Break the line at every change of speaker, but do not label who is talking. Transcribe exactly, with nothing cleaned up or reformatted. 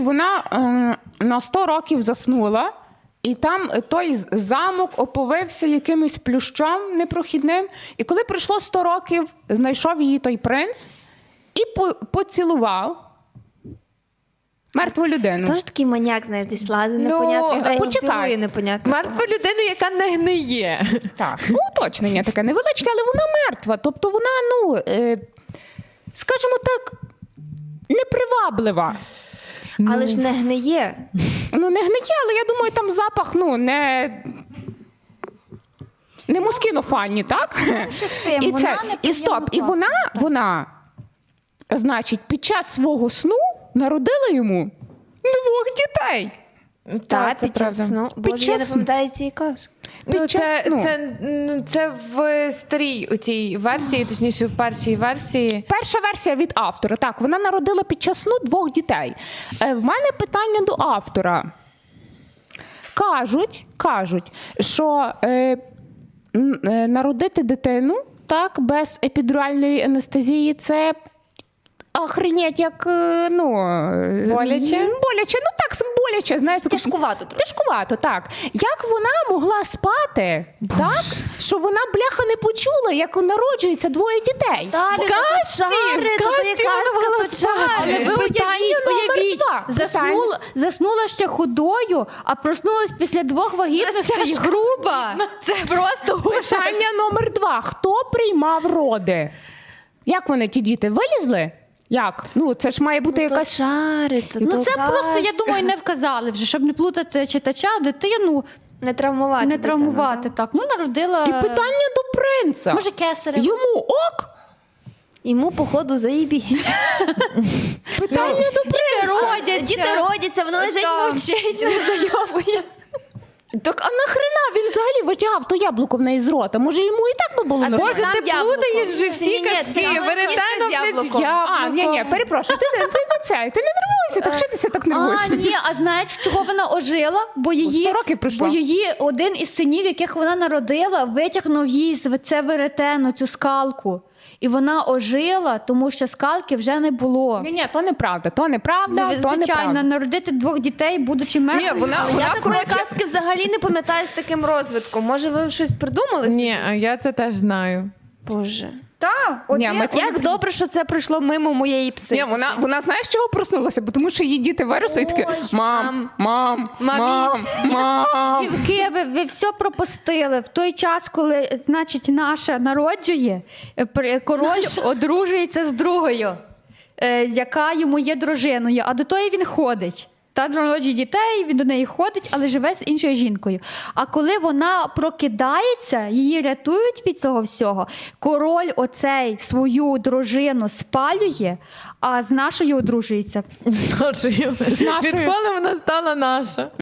Вона е, на сто років заснула, і там той замок оповився якимось плющом непрохідним. І коли пройшло сто років, знайшов її той принц і по- поцілував мертву людину.
Тож такий маняк, знаєш, десь лазить,
Ну,
непонятно, де
почекай.
цілує, непонятно.
Мертву людину, яка не гниє.
Так, ну, уточнення таке невеличке, але вона мертва. Тобто вона, ну, е, скажімо так, неприваблива.
Але ж не гниє.
Ну, не гниє, але я думаю, там запах, ну, не... Не москінофанні, так?
Щастим,
І,
вона
це,
неприємно
і стоп, і
пахне.
вона, вона, значить, під час свого сну народила йому двох дітей.
Так,
це
під час
правда.
сну.
Під
Боже, я не
час сну.
пам'ятаю цієї казки.
Ну,
Під час
це,
сну.
це, ну, це в старій у цій версії, точніше, в першій версії.
Перша версія від автора. Так, вона народила під час сну двох дітей. Е, в мене питання до автора. Кажуть, кажуть, що е, м, е, народити дитину так, без епідуральної анестезії – це охренеть, як, е, ну... е,
Боляче?
м, Боляче, ну так, боляче, знаєш. так-
Тяжкувато трохи.
Тяжкувато, так. Як вона могла спати, так, що вона, бляха, не почула, як народжується двоє дітей?
Далі, то тут чари, то то є
Касті вона
казка,
могла
то
спати.
чари.
Але ви
Питання
уявіть,
номер
уявіть,
два.
заснула, заснула ще худою, а проснулась після двох вагітностей груба. Це просто ужас.
Питання номер два. Хто приймав роди? Як вони, ті діти, вилізли? Як? Ну, це ж має бути
То
якась...
чари, то
Ну
то
це просто, я
казка.
думаю, не вказали вже, щоб не плутати читача, дитину,
Не травмувати
не
дитину,
травмувати.
так?
Так, ну народила.
І питання до принца.
Може, кесарево.
Йому ок?
Йому, походу, заїбісь.
Питання до принца.
Діти родяться.
Діти родяться, воно лежить,
Так.
мовчить, не зайобує.
Так, а нахрена він взагалі витягав то яблуко в неї з рота? Може, йому і так би було
А це
нормально?
Боже,
нам
ти
яблуко.
плутаєш вже всі
Ні-ні,
казки.
це нам
Веретено
сніжка з
блядь,
яблуком.
А, ні, ні, перепрошую, ти, не- ти не це, ти не нервуйся, так що ти це так нервуєш?
А, ні, а знаєш, чого вона ожила? Бо її,
сто років пройшло.
бо її один із синів, яких вона народила, витягнув їй з- це веретено, цю скалку. І вона ожила, тому що скалки вже не було.
Ні, ні, то неправда, то неправда,
Це,
то
звичайно,
неправда.
народити двох дітей, будучи мертвою.
Ні, вона,
Я
вона
такої
коротше,
казки взагалі не пам'ятаю з таким розвитком. Може, ви щось придумали? собі?
Ні, а я це теж знаю.
Боже.
Так,
Ні,
один-
ми це-
Як добре, що це пройшло мимо моєї пси.
Ні, вона, вона знаєш, чого проснулася? Бо тому що її діти виросли і такі
Ой,
мам, мам,
мамі».
мам, мам.
Дівки, ви, ви все пропустили. В той час, коли, значить, наша народжує, е, при- король одружується з другою, е, яка йому є дружиною, а до тої він ходить. Та народжує дітей, він до неї ходить, але живе з іншою жінкою. А коли вона прокидається, її рятують від цього всього, король оцей свою дружину спалює, а з нашою одружується.
З нашою.
нашою.
Відколи вона стала наша?